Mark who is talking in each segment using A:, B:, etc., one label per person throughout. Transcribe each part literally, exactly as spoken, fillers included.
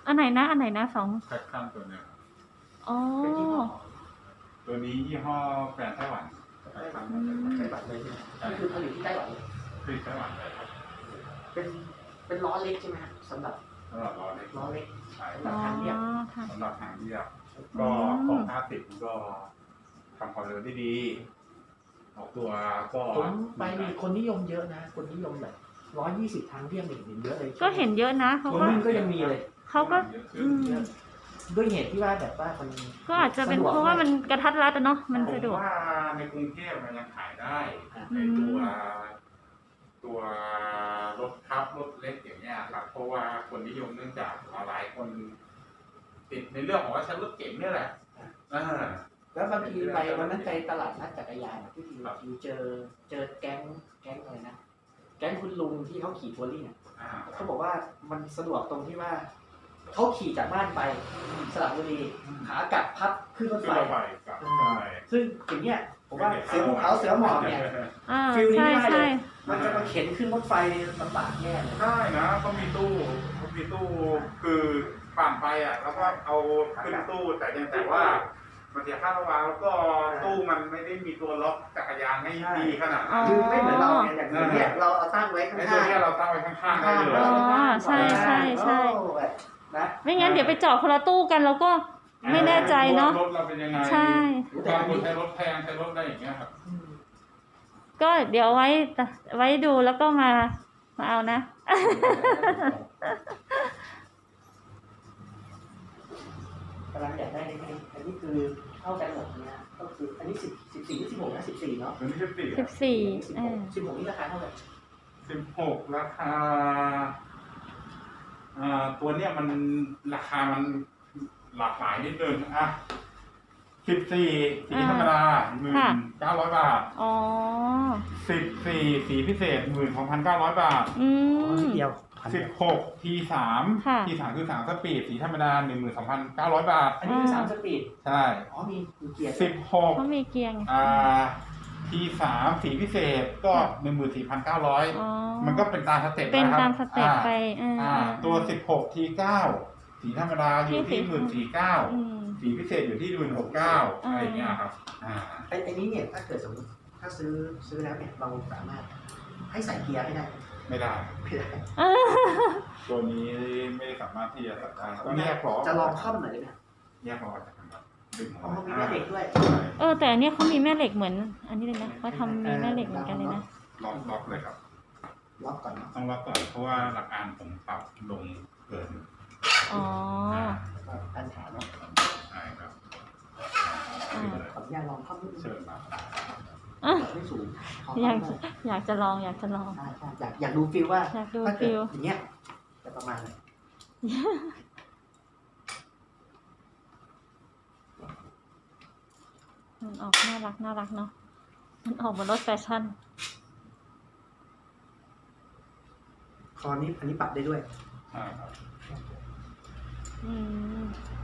A: อันไหนนะอันไหนนะสอง
B: แพคชั่นตัวเนี้ย
A: อ๋อ
B: ตัวนี้ยี่ห้อแบรนด์ไต้หวัน
C: ไต้หวันไต้หวันเลยใช่ไหมนี่คือผลิตที่ไต้หวันเลย
B: ผลิตไต้หวันเลยครับ
C: เป็นเป็นล้อเล็กใช่ไหมครับสำหรับ
B: สำหรับล้อเล็ก
C: ล้อเล็ก
B: ใช่
C: สำหรับทางเรียบ
B: สำหรับทางเรียบก็ของห้าสิบก็ทำความเร็วได้ดีออกตัวก็
C: ผมไปมีคนนิยมเยอะนะคนนิยมแบบร้อยยี่สิบทางเรียบเห็นเยอะเลย
A: ก็เห็นเยอะนะเขาก็
C: ก็ยังมีเลย
A: เขาก็
C: ด้วยเหตุที่ว่าแบบว่ามัน
A: ก็อาจจะเป็นเพราะว่ามันกระทัดรัดเนาะมันสะดวก
B: ว่าในกรุงเทพมันยังขายได้ในตัวตัวรถทับรถเล็กอย่างเงี้ยครับเพราะว่าคนนิยมเนื่องจากหลายคนติดในเรื่องของว่าใช้รถเก๋งนี่แหละ
C: แล้วบางทีไปวันนั้นไปตลาดนัดจักรยานที่ที่เจอเจอแก๊งแก๊งอะไรนะแก๊งคุณลุงที่เขาขี่ทัวริ่งเขาบอกว่ามันสะดวกตรงที่ว่าเขาขี่จากบ้านไปสระบุรีขากลับพับขึ้นรถไฟซึ่งอย่างเงี้ยผมว่าเสือภูเขาเสือหมอบเนี่ยฟิลนี้ไม่ได้เลยมันจะมาเข็นขึ้นรถไฟลำบากแย่เลย
B: ใช่นะเขามีตู้เขามีตู้คือผ่านไปอ่ะแล้วก็เอาขึ้นตู้แต่ยังแต่ว่ามันเสียค่าระวางแล้วก็ตู้มันไม่ได้มีตัวล็อกจักรยานให้ดีขนาดนั้น
C: คือไม่เหมือนเราเนี่ยอย่างนี้เราเอาตั้งไว้ข้างๆไอ้ตัว
B: นี้เราตั้งไว้ข้างๆได้เลย
A: อ๋อใช่ใช่ใช่ไม่งั้นเดี๋ยวไปจอดคนละตู้กันแล้วก็ไม่แน่ใจเนาะ
B: รถเราเป็นยังไง
A: ใช่
B: บางคนใช้รถแพงใช้รถได้อย่างเงี้ยครับ
A: ก็เดี๋ยวไว้ไว้ดูแล้วก็มามาเอานะ
C: กำลังอยากได้ไหมอันนี้คือเท่ากันหมดนะก็คืออันนี้สิบสิบสี่สิบหกนะสิบสี่เนาะ
B: อันนี้สิบสี่
A: สิบสี่
C: สิบหกนี่ราคาเท่าไหร่
B: สิบหกราคาอ่าตัวเนี้ยมันราคามันหลากหลายนิดนึงอ่ะสิบสี่สีธรรมดาหมื่นเก้าร้อยบาท
A: อ๋อ
B: สิบสี่สีพิเศษหมื่นสองพันเก้าร้อยบาท
A: อืม
C: เดียว
B: สิบหกทีสามทีสามคือสามสปีดสีธรรมดาหนึ่งหมื่นสองพันเก้าร้อยบาท
C: อันนี้คือสามสปีด
B: ใช่
C: อ๋อมีเกียร์
B: สิบหก
A: เขามีเกียร์
B: อ่าทีสามสีพิเศษก็หนึ่งหมื่นสี่พันเก้าร้อยมันก็เป็นตามสเต็ป
A: เป็นตามสเต็ปไป
B: อ่าตัวสิบหกทีเก้าสีธรรมดาอยู่ที่หมื่นสี่เก้าสีพิเศษอยู่ที่หมื่นหกเก้าอะไรเงี้ยครับอ่า
C: ไอ้ไอ้นี้เนี่ยถ้าเกิดสมมติถ้าซื้อซื้อแล้วเนี่ยเราสามารถให้ใส่เกียร์ไม่ได้
B: ไม่ได้
C: ไม่ได้
B: ตัวนี้ไม่สามารถที่จะใส่ได้ต้องแยกล้อ
C: จะลองเข้าหน่อยได้ไหม
B: แยกล้อจากกัน
C: อ๋อมีแม่เหล็กด้วย
A: เออแต่อันนี้เขามีแม่เหล็กเหมือนอันนี้เลยนะเขาทำมีแม่เหล็กเหมือนกันเลยนะ
B: ล็อกล็อกเลยครับ
C: ล็อกก่อน
B: ต้องล็อกก่อนเพราะว่าหลักการผมปรับลงเกิน
A: อ๋อ
C: ปัญหาเนาะ
B: ใช่ครับ
C: ขออนุญาตลองเข้านิดนึง
B: เชิญมา
C: ไม่สูง
A: อยากอยากจะลองอยากจะลอง
C: อยากอยากดูฟิลว่า
A: อยากดูฟิล
C: อย่างเงี้ยจะประมาณไหน
A: มันออกน่ารักน่ารักเนาะมันออกเหมือนรถแฟชั่น
C: คอนี้อันนี้ปรับได้ด้วย
B: ใช่ครับ
A: อืม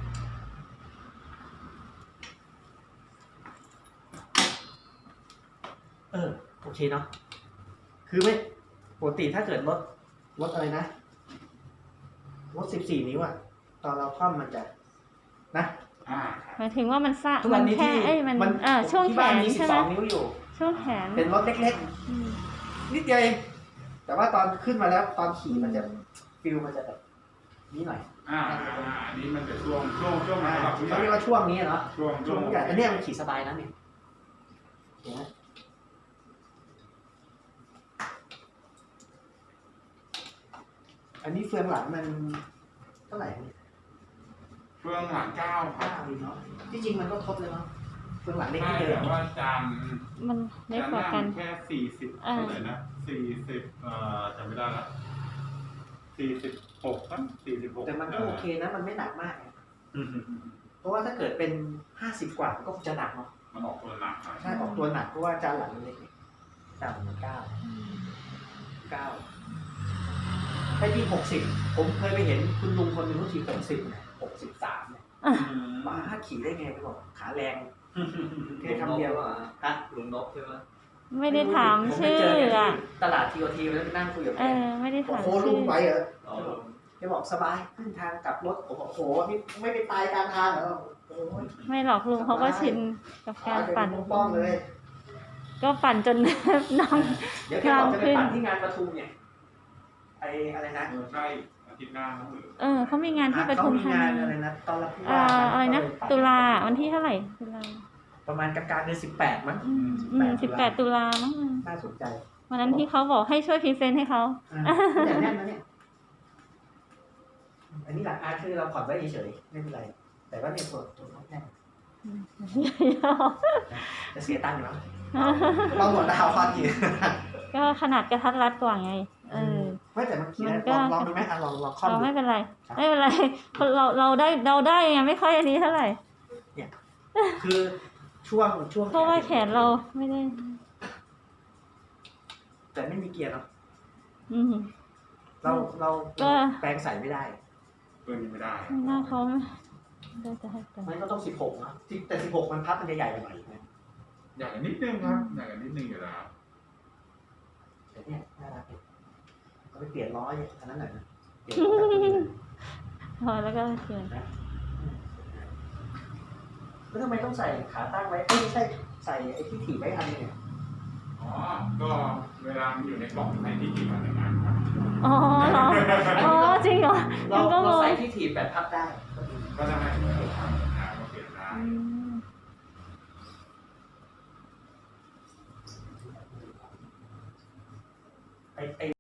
C: เออโอเคเนาะคือไม่ปกติถ้าเกิดรถรถอะไรนะรถสิบสี่นิ้วอะตอนเราคว่ำมันจะนะ
A: หมายถึงว่ามันซ่ามันแค่เอ้ยมันเออช่วงแขนใช่ไหม
C: นิ้วอยู่
A: ช่วงแขน
C: เป็นรถเล็กๆนิดเดียวเองแต่ว่าตอนขึ้นมาแล้วตอนขี่มันจะฟิลมันจะแบบนี้หน่อย
B: อ่าอันนี้มันจะช่วงช่วงช่วง
C: เขาเรียกว่าช่วงนี้เนาะ
B: ช่วง
C: ช่วงใหญ่อันนี้มันขี่สบายนะเนี่ยอันนี้เฟืองหลังมันเท่าไหร่
B: เฟืองหลังเก้า
C: เก้าเนาะที่จริงมันก็ทดเลยเนาะเฟืองหลังเล็กนิดเดียว
B: แต่ว่าจาน
A: มันเล็กกว่ากัน
B: แค่สี่สิบเท่าไหร่นะสี่สิบเอ่อจำไม่ได้ละสี่สิบหกนะสี่สิบหก
C: แต่มันก็โอเคนะมันไม่หนักมากเพราะว่าถ้าเกิดเป็นห้าสิบกว่าก็จะหนักเนาะ
B: มันออกตัวหนัก
C: ใช่ออกตัวหนักเพราะว่าจานหลังมันเล็กจานมันเก้าเก้าไอ้ที่หกสิบผมเคยไปเห็นคุณลุงคนหนึ่งเขาขี่หกสิบหกสิบสามเนี่ยมาถ้าขี่ได้ไงไปบอกขาแรงแค่คำเดียวฮะลุงนกใช่ไหม
A: ไม่ได้ถามชื่ออ่ะ
C: ตลาดทีโอทีแล้วนั่งคุยกับ
A: เออไม่ได้ถาม
C: ชื่อโอ้ลุงไปเหรอแกบอกสบายขึ้นทางกลับรถผมบอกโอ้โหนี่ไม่ไปตายกลางทางเหรอโอ้ย
A: ไม่หรอกลุงเขาก็ชินกับการปั่น
C: ป้องเลย
A: ก็ปั่นจน น้อง
C: เดี๋ยวแกบอกจะไปปั่นที่งานประทุมเนี่ยไออะไรนะ
B: เออใช่อาทิตย์หน้าน้องหรือ
A: เออเขามีงานที่ปทุมธา
C: เขามีงาน
A: นี
C: อะไรนะตอนรับผู้
A: เอ่
C: ว่า
A: ออะไรนะ
C: ก็เลยปั่
A: ตุลาวันที่เท่าไหร่ตุลา
C: ประมาณกลางๆเดือนสิบแปดมั้ง
A: อืมอืมสิบแปดตุลามั้ง
C: น่าสนใจ
A: วันนั้นที่เขาบอกให้ช่วยพรีเซนต์ให้เขา
C: อ่าเนี่ยแน่นนะเนี่ยอันนี้หลักอาร์ตคือเราผ่อนไว้เฉยๆไม่เป็นไร แต่ว่าเนี่ยตัวตัวแน่นจะเสียตังค์อยู่มั้งเราหมดดาวพอดี
A: ก็ขนาดกระทัดรัดกว่าไง เออ
C: ไม่แต่เมื่อกี้
A: มันก็
C: ลองลองดูไหมอ่ะลองลองคล่อม
A: เรา
C: ดู
A: ไม่เป็นไร ไม่เป็นไรคนเราเราได้เราได้ไงไม่ค่อยอันนี้เท่าไหร่
C: คือช่วงช่วง
A: เพราะว่าแขนเราไม่ได้
C: แต่ไม่มีเกียร์เนาะ
A: อืม
C: เราเรา
A: ก็
C: แปลงใส่ไม่ได้
B: ตัวนี้ไม่ได้
A: ไม่น่าเขาไม่ได้จะให้ไป
C: มันก็ต้องสิบหกนะที่แต่สิบหกมันพับมันจะใหญ่ไปหน่อยนะ
B: อย่างนิดนึงครับอย่างนิดนึงอยู่แล้ว
C: แต่เนี่ยน่ารักดีเอาไปเปลี่ยนล้ออันนั้นหน่อยนะเปลี่ยนล้อแบบนี้
A: พอแล้วก็เขียน
C: แล้วทำไมต้องใส่ขาตั้งไว้เอ้ยไม่ใช่ใส่ไอ้ที่ถีบไว้อันนึงเนี่ย
B: อ๋อ ก็เวลามันอยู่ในกล่องในที่กินมันอย่างนั้นครับ
A: อ๋อเหรออ๋อจริงเหรอ
C: เรา
A: ยังก็ง
C: เรา
A: ง
C: ใส่ที่ถีบแบบพับได้
B: ก็จะให้มันเกิดความหนาก็เปลี่ยนได้
A: อืม
C: ไอ้ไอ้